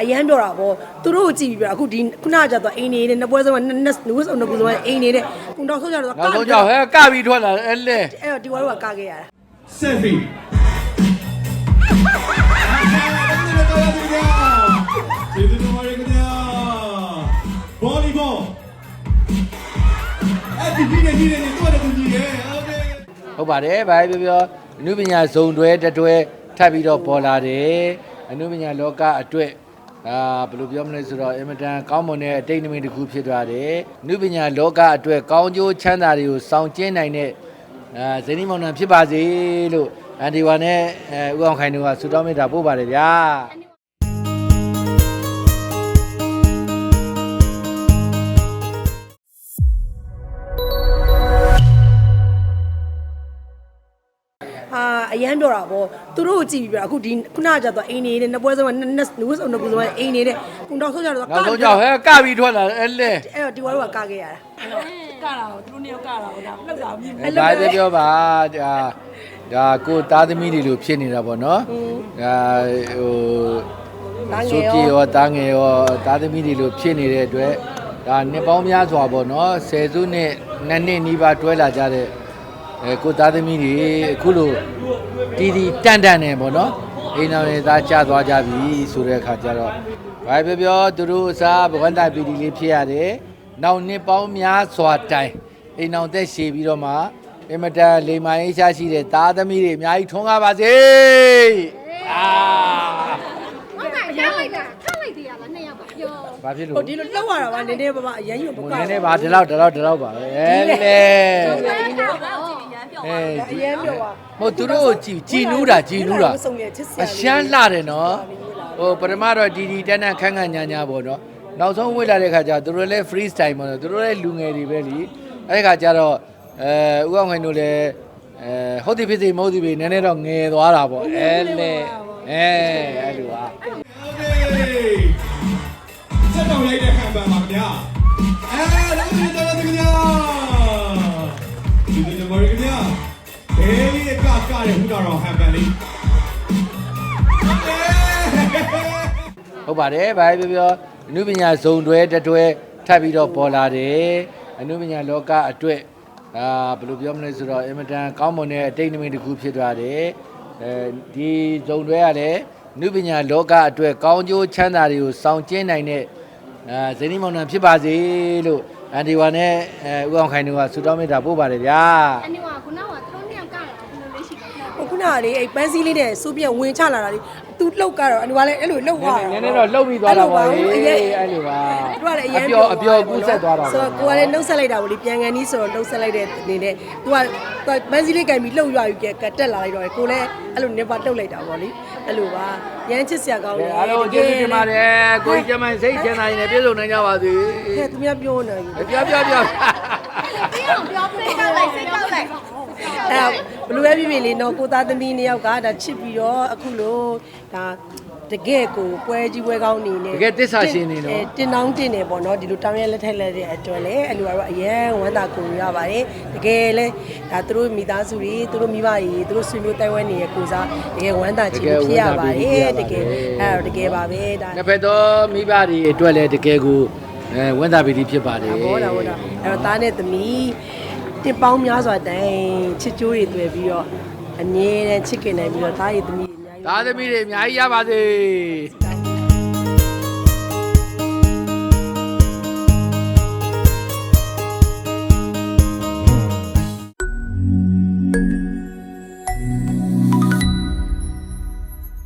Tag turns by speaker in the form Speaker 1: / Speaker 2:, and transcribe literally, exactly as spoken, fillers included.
Speaker 1: အရန်ပြောတာပေါ့သူတို့ကိုကြည့်ပြီးပြအခုဒီခုနကကြတော့အိမ်နေနဲ့နှစ်ပွဲဆုံးကနှစ်နှစ်ဝစ်စုံနှစ်ခုဆုံးအိမ်နေတဲ့ကုံတော်ဆုံးကြတော့က
Speaker 2: နောက်ဆုံးကြောက်ဟဲကပြီးထွက်လာအဲ့လေ
Speaker 1: အဲ့တော့ဒီဝါတို့ကကခဲ့ရတာ
Speaker 3: Selfie. Volleyball. အဲ့ဒီကြီးနေကြီးနေတော့တူကြီးရဲ့โอเค
Speaker 2: ဟုတ်ပါတယ်ဗျာပြောပြောအနုပညာဇုံတွဲတတွဲထပ်ပြီးတော့ပေါ်လာတယ်အနုပညာလောကအတွက်အာဘယ်လိုပြောမလဲဆိုတော့အင်မတန်ကောင်းမွန်တဲ့အတိတ်နမိတ်တစ်ခုဖြစ်သွားတယ်အနုပညာလောကအတွက်ကောင်းကျိုးချမ်းသာတွေကိုဆောင်ကျဉ်နိုင်တဲ့အာဇနီးမောင်နှံဖြစ်ပါစေလို့အန်ဒီဝါနဲ့အဲဦးအောင်ခိုင်တို့ကဆုတောင်းမေတ္တာပို့ပါတယ်ဗျာ
Speaker 1: အာအရန်ပြောတာပေါ့သူတို့ကိုကြည့်ပြီးပြအခုဒီခုနကကြတော့အိမ်နေနဲ့နှစ်ပွဲဆုံးကနှစ်နှစ်ဝစ်စုံနှစ်ခုဆုံးအိမ်နေတဲ့ကုံတော်ဆုံးကြတော့က
Speaker 2: နောက်ဆုံးကြောက်ဟဲကပြီးထွက်လာအဲ့လေ
Speaker 1: အဲ့တော့ဒီဝါတို့ကကခဲ့ရတာ
Speaker 4: ကတာကိုသူတို့နှစ်ယောက်ကတာကိုဒါလှုပ်တာမြင်
Speaker 2: အဲ့ဒါပြောပြောပါဒါဒါကိုသားသမီးတွေလိုဖြစ်နေတာပေါ့နော်ဒါဟိုဆိုပြေရောတားငယ်ရောသားသမီးတွေလိုဖြစ်နေတဲ့အတွက်ဒါနှစ်ပေါင်းများစွာပေါ့နော်ဆယ်စုနှစ်နှစ်နှစ်နီးပါးတွဲလာကြတဲ့အဲကိုသားသမီးတွေအခုလိုတီတီတန်တန်နေပေါ့နော်အိမ်တော်တွေသားကြသွားကြပြီဆိုတဲ့အခါကျတော့ဘာပြောပြောသူတို့အစားဘဝန္တပီတီလေးဖြစ်ရတယ်နောက်နှစ်ပေါင်းများစွာတိုင်အိမ်တော်သက်ရှည်ပြီးတော့မှအင်မတန်လိမ္မာရေးရှားရှိတဲ့သားသမီးတွေအများကြီးထွန်းကားပါစေအာ
Speaker 5: ဟုတ်ကဲ့ရလိုက်တာထားလိုက်သေးရလားနှစ်ယောက်ပါပြော
Speaker 2: ဘာဖြစ်လို့
Speaker 1: ဟိုဒီလိုလောက်ရတာပါနည်းနည်းပါးပါအရန်ယူမ
Speaker 2: ဟို
Speaker 1: က
Speaker 2: နည်းနည်းပါဒီလောက်ဒီလောက်ဒီလောက်ပါပဲအဲလေအဲ
Speaker 1: အရန်ပြောပါ
Speaker 2: ဟိုသူတို့ကိုကြည်ကြည်နူးတာကြည်နူးတာအရှမ်းလှတယ်နော်ဟိုပထမတော့ဒီဒီတန်းတန်းခန်းခန်းညာညာပေါ့နော်နောက်ဆုံးဝေ့လာတဲ့ခါကျသူတို့လည်း free style ပေါ့နော်သူတို့လည်းလူငယ်တွေပဲလीအဲ့ဒီခါကျတော့အဲဥအောင်ခိုင်တို့လည်းအဲဟုတ်တယ်ဖြစ်စီမဟုတ်သည်ပဲနည်းနည်းတော့ငယ်သွားတာပေါ့အဲလေအဲအဲ့လိုပါ
Speaker 3: စက်တော်ရိုက်တဲ့ခံပန်ပါခင်ဗျာအဲလည်းဒီတော့ဒီခင်ဗျာဒီဒီမော်ရီခင်ဗျာအေးဒီကကတဲ့ဟူတော်ဟန်ပန်လေး
Speaker 2: ဟုတ်ပါတယ်ဗျာပြောပြောအနုပညာဇုံတွဲတတွဲထပ်ပြီးတော့ပေါ်လာတယ်အနုပညာလောကအတွက်အာဘယ်လိုပြောမလဲဆိုတော့အင်မတန်ကောင်းမွန်တဲ့အတိတ်နမိတ်တစ်ခုဖြစ်သွားတယ်အဲဒီဇုံတွဲကလည်းအနုပညာလောကအတွက်ကောင်းကျိုးချမ်းသာတွေကိုဆောင်ကျဉ်နိုင်တဲ့အာဇနီးမောင်နှံဖြစ်ပါစေလို့အန်ဒီဝါနဲ့အဲဦးအောင်ခိုင်တို့ကဆုတောင်းမေတ္တာပို့ပါတယ်ဗျာ
Speaker 5: အနိဝါခုနကသူတို့နှစ်ယောက်ကတာဘယ်လိုလေးရှိလဲပြော
Speaker 1: ဟိုခုနကလေအဲ့ပန်းစည်းလေးနဲ့စူးပြက်ဝင်ချလာတာလေသူလှုပ်ကတော့အနူကလည်းအဲ့လိုလှုပ်သွား
Speaker 2: နည်းနည်းတော့လှုပ်ပြီးသွားတာပါလေအဲ့လိုပါ
Speaker 1: သူကလည်းအရန်
Speaker 2: အပျော်အပျော်ကူးဆက်သွားတာ
Speaker 1: ဆိုတော့ကိုကလည်းနှုတ်ဆက်လိုက်တာပေါ့လေပြန်ကန်နီးဆိုတော့နှုတ်ဆက်လိုက်တဲ့အနေနဲ့သူကသူကပန်းစည်းလေးကင်ပြီးလှုပ်ရွာယူကကတက်လာလိုက်တော့ကိုလည်းအဲ့လိုနေပါလှုပ်လိုက်တာပေါ့လေအဲ့လိုပါရမ်းချစ်စရာကောင်းတယ်
Speaker 2: အားလုံးကျေးဇူးတင်ပါတယ်ကိုကြီးကျမစိတ်ချမ်းသာရင်လည်းပြည့်စုံနိုင်ကြပါစေ
Speaker 1: ဟဲ့သူများပြောနေပြီ
Speaker 2: ပြောပြောပြော
Speaker 5: ပြီးအောင်ပြောပြလိုက်လိုက်စိတ်ကောက်လိုက်
Speaker 1: အဲ့ဘလူးပဲပြပြလေးနော်ကိုသားသမီးနှစ်ယောက်ကဒါချစ်ပြီးတော့အခုလို့ဒါတကယ်ကိုပွဲကြီးပွဲကောင်းနေနေ
Speaker 2: တကယ်တစ္ဆာရှင်နေနော်
Speaker 1: တင်တောင်းတင်နေပေါ့နော်ဒီလိုတောင်းရလက်ထက်လက်တဲ့အတွက်လည်းအလူကတော့အရန်ဝမ်းသာကိုရပါတယ်တကယ်လဲဒါသူတို့မိသားစုတွေသူတို့မိဘတွေသူတို့ဆွေမျိုးတိုင်ဝမ်နေရဲ့ကိုစားတကယ်ဝမ်းသာချင်ဖြစ်ရပါတယ်တကယ်အဲ့တော့တကယ်ပါပဲဒါ
Speaker 2: နှစ်ဖက်သောမိဘတွေအတွက်လည်းတကယ်ကိုအဲဝန်တာပီတိဖြစ်ပါတယ်
Speaker 1: ဟောတာဟောတာအဲ့တော့သားနဲ့သမီးတစ်ပေါင်းများစွာတိုင်ချစ်ကြိုးတွေတွေ့ပြီးတော့အငြင်းနဲ့ချစ်ခင်နိုင်ပြီးတော့သားရည်သမီးတွေအများကြီး
Speaker 2: သားသမီးတွေအများကြီးရပါစေ